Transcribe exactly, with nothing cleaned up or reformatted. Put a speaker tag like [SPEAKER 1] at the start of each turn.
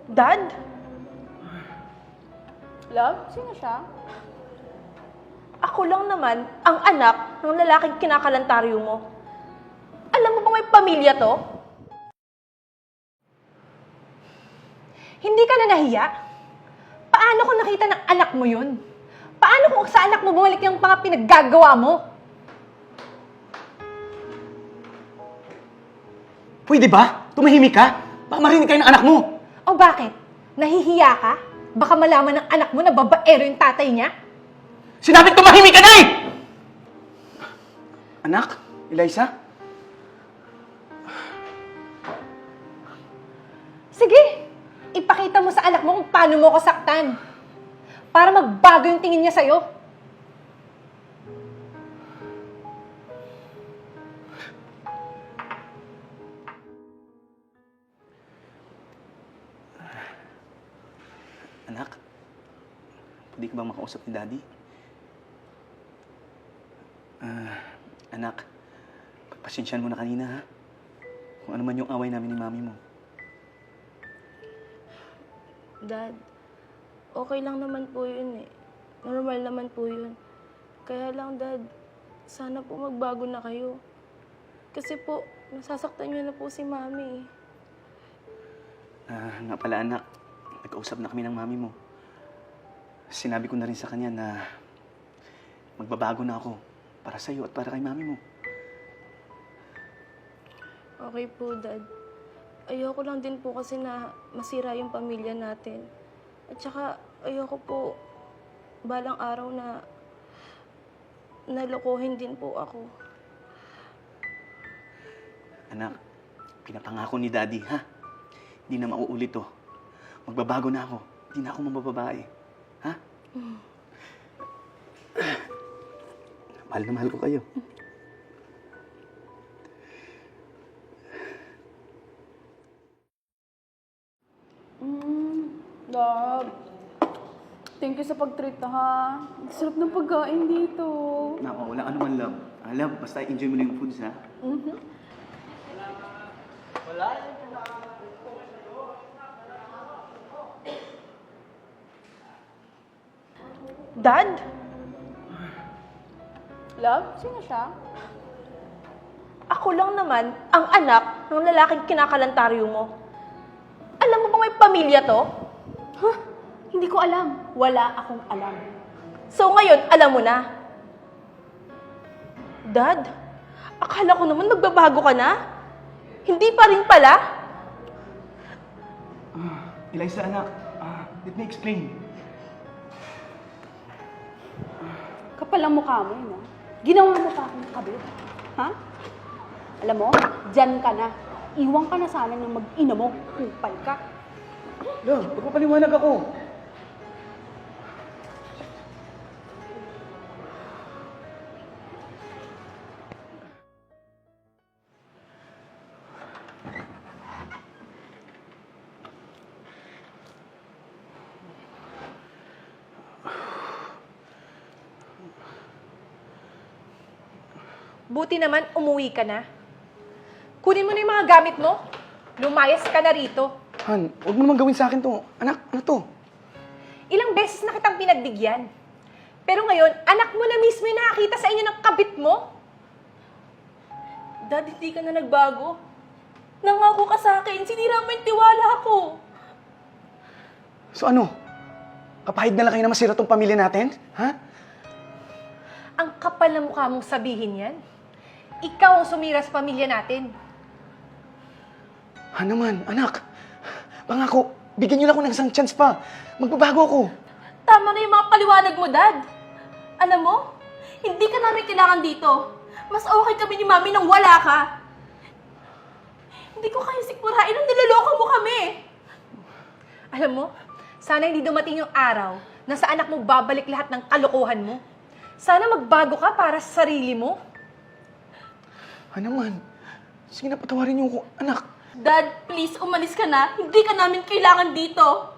[SPEAKER 1] Dad? Love? Sino siya? Ako lang naman ang anak ng lalaking kinakalantaryo mo. Alam mo bang may pamilya to? Hindi ka na nahiya? Paano kung nakita ng anak mo yun? Paano kung sa anak mo bumalik yung mga pinaggagawa mo?
[SPEAKER 2] Pwede ba? Tumahimik ka? Baka marinig kayo ng anak mo.
[SPEAKER 1] O bakit? Nahihiya ka? Baka malaman ng anak mo na babaero yung tatay niya?
[SPEAKER 2] Sinabi tumahimik ka na eh! Anak? Eliza?
[SPEAKER 1] Sige! Ipakita mo sa anak mo kung paano mo ko saktan. Para magbago yung tingin niya sa'yo.
[SPEAKER 2] Anak? Pwede ka bang makausap ni Daddy? Ah, anak, pagpasensyahan mo na kanina, ha? Kung ano man yung away namin ni Mami mo.
[SPEAKER 3] Dad, okay lang naman po yun eh. Normal naman po yun. Kaya lang, Dad, sana po magbago na kayo. Kasi po, nasasaktan niyo na po si Mami eh.
[SPEAKER 2] Ah, nga pala anak, nag-kausap na kami ng Mami mo. Sinabi ko na rin sa kanya na magbabago na ako para sa'yo at para kay Mami mo.
[SPEAKER 3] Okay po, Dad. Ayoko lang din po kasi na masira yung pamilya natin. At saka, ayoko po balang araw na nalokohin din po ako.
[SPEAKER 2] Anak, pinapangako ni Daddy, ha? Hindi na mauulit to. Magbabago na ako. Hindi na ako mabababae. Ha? Mm. Mahal na mahal ko kayo.
[SPEAKER 4] Mm, love. Thank you sa pag-treat ha. Ang sarap ng pagkain dito.
[SPEAKER 2] Nako, wala ka naman, love. Ah, love, basta enjoy mo lang yung foods, ha?
[SPEAKER 4] Mm-hmm.
[SPEAKER 1] Dad?
[SPEAKER 4] Love? Sino siya?
[SPEAKER 1] Ako lang naman ang anak ng lalaking kinakalantaryo mo. Alam mo bang may pamilya to?
[SPEAKER 4] Huh? Hindi ko alam. Wala akong alam.
[SPEAKER 1] So ngayon, alam mo na. Dad, akala ko naman magbabago ka na. Hindi pa rin pala.
[SPEAKER 2] Ah, Eliza, anak. Ah, let me explain.
[SPEAKER 4] Kapal ang mukha mo yun, no? Ginawa mo pa akong kabit. Ha? Alam mo, dyan ka na. Iwan ka na sana ng mag-ina mo. Kupal ka.
[SPEAKER 2] Love, magpapaliwanag ako.
[SPEAKER 1] Buti naman umuwi ka na. Kunin mo na yung mga gamit mo. Lumayas ka na rito.
[SPEAKER 2] Han, huwag mo naman gawin sa akin to. Anak, ano to?
[SPEAKER 1] Ilang beses na kitang pinagbigyan. Pero ngayon, anak mo na mismo yung nakakita sa inyo ng kabit mo.
[SPEAKER 3] Dad, hindi ka na nagbago. Nangako ka sa akin, sinira mo yung tiwala ko.
[SPEAKER 2] So ano? Kapahid na lang kayo na masira tong pamilya natin? Ha?
[SPEAKER 1] Ang kapal na mukha mong sabihin yan. Ikaw ang sumira sa pamilya natin.
[SPEAKER 2] Ha naman, anak. Pangako, bigyan niyo lang ako ng isang chance pa. Magbabago ako.
[SPEAKER 3] Tama na yung mga paliwanag mo, Dad. Alam mo, hindi ka namin kailangan dito. Mas okay kami ni Mami nang wala ka. Hindi ko kaya sikmurain nung niloloko mo kami.
[SPEAKER 1] Alam mo, sana hindi dumating yung araw na sa anak mo babalik lahat ng kalokohan mo. Sana magbago ka para sa sarili mo.
[SPEAKER 2] Ha naman. Sige na, patawarin niyo ako, anak.
[SPEAKER 3] Dad, please, umalis ka na. Hindi ka namin kailangan dito.